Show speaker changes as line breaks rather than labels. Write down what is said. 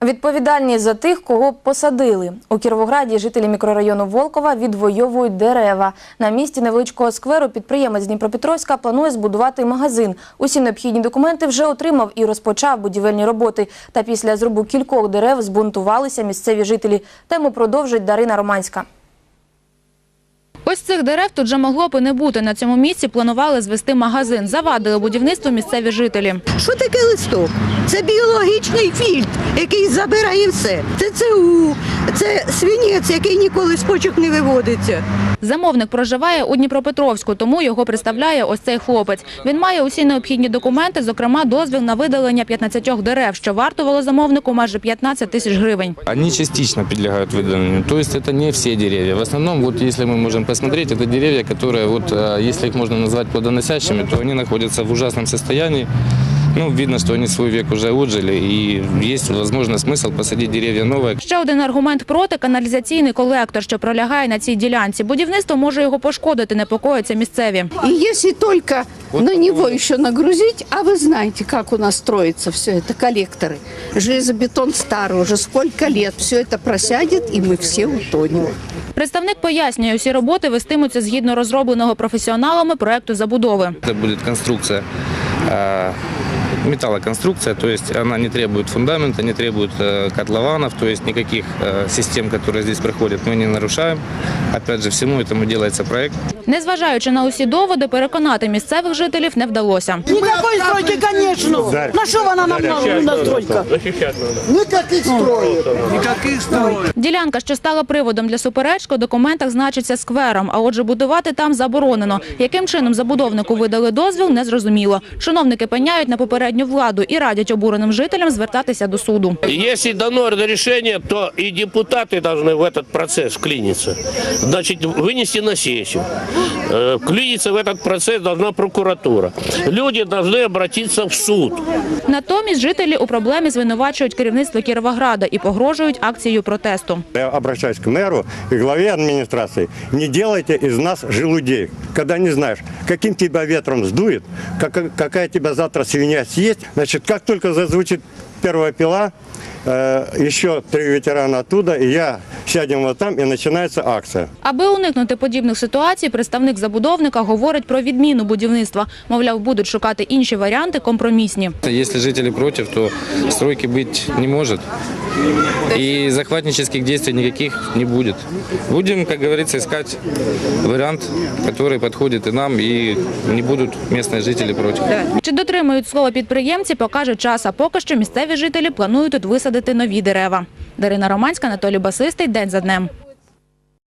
Відповідальність за тих, кого посадили. У Кіровограді жителі мікрорайону Волкова відвоюють дерева. На місці невеличкого скверу підприємець Дніпропетровська планує збудувати магазин. Усі необхідні документи вже отримав і розпочав будівельні роботи. Та після зрубу кількох дерев збунтувалися місцеві жителі. Тему продовжить Дарина Романська.
Ось цих дерев тут же могло б і не бути. На цьому місці планували звести магазин. Завадили будівництву місцеві жителі.
Що таке листок? Це біологічний фільтр, який забирає все. Це ЦУ, це свинець, який ніколи з почок не виводиться.
Замовник проживає у Дніпропетровську, тому його представляє ось цей хлопець. Він має усі необхідні документи, зокрема дозвіл на видалення 15 дерев, що вартувало замовнику майже 15 тисяч гривень.
Вони частично підлягають видаленню, тобто це не всі дерева. В основному, якщо ми можемо посмотреть, это деревья, которые, если их можно назвать плодоносящими, то они находятся в ужасном состоянии. Видно, что они свой век уже отжили, и есть, возможно, смысл посадить деревья новые.
Ще один аргумент проти – каналізаційний колектор, що пролягає на цій ділянці. Будівництво може його пошкодити, непокоїться місцеві.
И если только на него еще нагрузить, а вы знаете, как у нас строится все это, коллекторы. Железобетон старый, уже сколько лет, все это просядет, и мы все утонем.
Представник пояснює, усі роботи вестимуться згідно розробленого професіоналами проекту забудови.
Это будет конструкция, металлоконструкция, то есть она не требует фундамента, не требует котлованов, то есть никаких систем, которые здесь проходят, мы не нарушаем. Опять же, всему этому делается проект.
Незважаючи на усі доводи, переконати місцевих жителів не вдалося.
Никакой стройки, конечно. На что она нам нужна стройка? Никаких строек. Никаких строек.
Ділянка, що стала приводом для суперечки, у документах значиться сквером, а отже будувати там заборонено. Яким чином забудовнику видали дозвіл, незрозуміло. Чиновники пеняють на попередню владу і радять обуреним жителям звертатися до суду.
Если дано решение, то и депутаты должны в этот процесс вклиниться. Значит, вынести на сессию. Вклиниться в этот процесс должна прокуратура. Люди должны обратиться в суд.
Натомість жителі у проблемі звинувачують керівництво Кіровограда і погрожують акцією протесту.
Я обращаюсь к мэру и главе администрации. Не делайте из нас желудей, когда не знаешь, каким тебя ветром сдует, какая тебя завтра свинья съесть. Значит, как только зазвучит первая пила, еще 3 ветерана оттуда, и я сядем вот там, и начинается акция.
Аби уникнути подібних ситуацій, представник забудовника говорить про відміну будівництва. Мовляв, будуть шукати інші варіанти компромісні.
Если жители против, то стройки быть не может. И захватнических действий никаких не будет. Будем, как говорится, искать вариант, который подходит и нам, и не будут местные жители против.
Чи дотримують слова підприємці, покаже час. А поки що місцеві жителі планують тут висадити нові дерева. Дарина Романська, Анатолій Басистий. День за днем.